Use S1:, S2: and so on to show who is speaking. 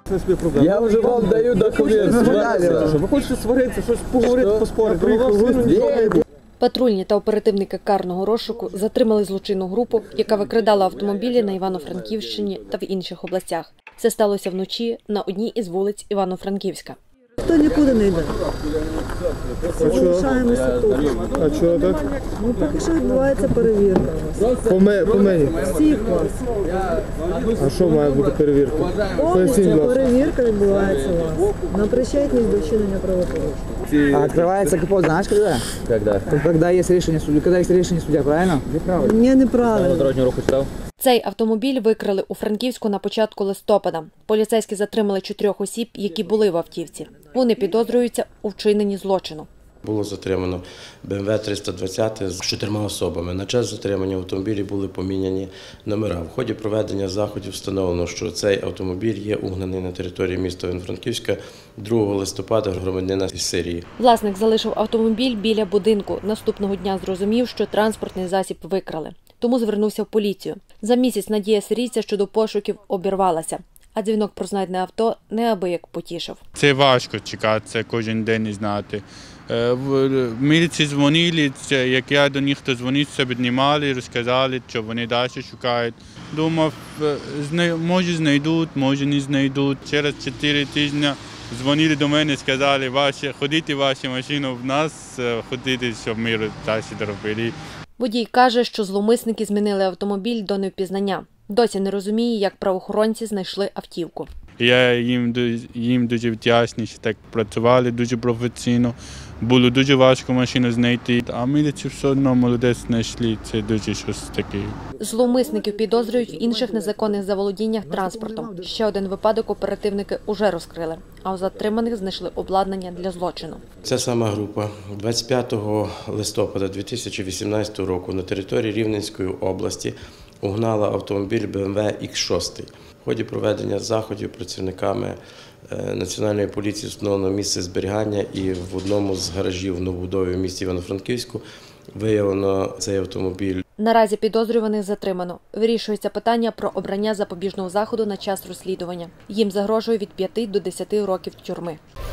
S1: Я вже вам даю документ.
S2: Ви хочете сваритися, щось поговорити, поспорити?
S3: Патрульні та оперативники карного розшуку затримали злочинну групу, яка викрадала автомобілі на Івано-Франківщині та в інших областях. Це сталося вночі на одній із вулиць Івано-Франківська.
S4: Хто нікуди не йде. Залишаємося тут.
S2: А чого так?
S4: Ну, поки що відбувається перевірка у вас.
S2: По мені?
S4: Всіх вас.
S2: А що має бути перевірка?
S4: Повністю перевірка відбувається у вас. На причетність до вчинення правопорушення.
S5: А открывается КПО, знаешь, когда?
S1: Когда?
S5: Когда есть решение судьи. Когда есть решение судья, правильно?
S4: Ні, неправильно.
S1: Дорожнього руху читав?
S3: Цей автомобіль викрали у Франківську на початку листопада. Поліцейські затримали 4 осіб, які були в автівці. Вони підозрюються у вчиненні злочину.
S6: Було затримано БМВ 320 з 4 особами. На час затримання автомобілі були поміняні номера. В ході проведення заходів встановлено, що цей автомобіль є угнаний на території міста Івано-Франківська 2 листопада громадянина із Сирії.
S3: Власник залишив автомобіль біля будинку. Наступного дня зрозумів, що транспортний засіб викрали. Тому звернувся в поліцію. За місяць надія сирійця щодо пошуків обірвалася. А дзвінок про знайдене авто неабияк потішив.
S7: Це важко чекати, це кожен день не знати. В міліції дзвонили, як я до них то дзвонив, все піднімали, розказали, що вони далі шукають. Думав, може знайдуть, може не знайдуть. Через 4 тижні дзвонили до мене, сказали, ходіть вашу машину в нас, ходіть, щоб ми далі робили.
S3: Водій каже, що зловмисники змінили автомобіль до невпізнання. Досі не розуміє, як правоохоронці знайшли автівку.
S7: Я їм дуже вдячний, що так працювали дуже професійно. Було дуже важко машину знайти, а міліцію все одно молодець знайшли. Це дуже щось таке.
S3: Зловмисників підозрюють в інших незаконних заволодіннях транспортом. Ще один випадок оперативники уже розкрили, а у затриманих знайшли обладнання для злочину.
S6: Ця сама група 25 листопада 2018 року на території Рівненської області угнала автомобіль БМВ X6. В ході проведення заходів працівниками Національної поліції встановлено місце зберігання і в одному з гаражів в новобудові в місті Івано-Франківську виявлено цей автомобіль.
S3: Наразі підозрюваних затримано. Вирішується питання про обрання запобіжного заходу на час розслідування. Їм загрожує від 5 до 10 років тюрми.